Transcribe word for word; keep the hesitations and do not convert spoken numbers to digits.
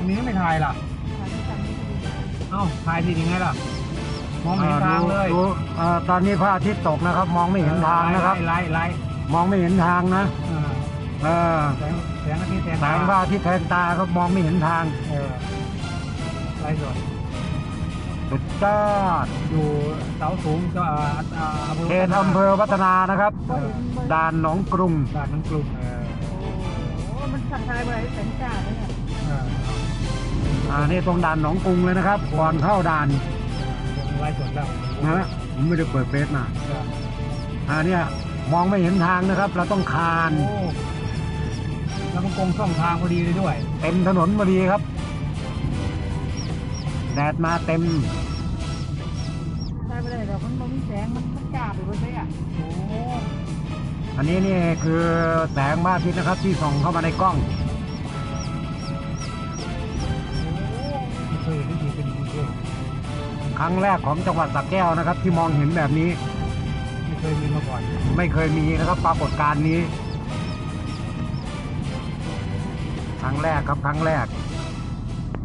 นี้ไม่ถ่ายล่ะเอ้าถ่ายทียังไงล่ะมองไม่เห็นทางเลยดูเอ่อตอนนี้พระอาทิตย์ตกนะครับ มองไม่เห็นทางนะครับไล่ไล่มองไม่เห็นทางนะเออแสงแสงอาทิตย์แสงแสงพระอาทิตย์แทงตาครับมองไม่เห็นทางเออไล่สดสุดยอดอยู่เสาสูงก็เขตอำเภอวัฒนานะครับด่านหนองกรุงด่านหนองกรุงโอ้มันสั่งทายไปแสงจ้าเลยเนี่ยอ่านี่ตรงด่านหนองกรุงเลยนะครับก่อนเข้าด่านไล่สดแล้วนะผมไม่ได้เปิดเฟซนะอ่าเนี่ยมองไม่เห็นทางนะครับ เราต้องคานแล้วมันกงช่องทางพอดีเลยด้วยเต็มถนนพอดีครับแดดมาเต็มใช่ไม่ได้หรอกมันมันมีแสงมันมันจ้าไปหมดเลยอ่ะโอ้อันนี้นี่คือแสงพระอาทิตย์นะครับที่ส่องเข้ามาในกล้องไม่เคยได้ยินเป็นจริงครั้งแรกของจังหวัดสระแก้วนะครับที่มองเห็นแบบนี้ไม่เคยมีมาก่อนไม่เคยมีนะครับปรากฏการณ์นี้ครั้งแรกครับครั้งแรก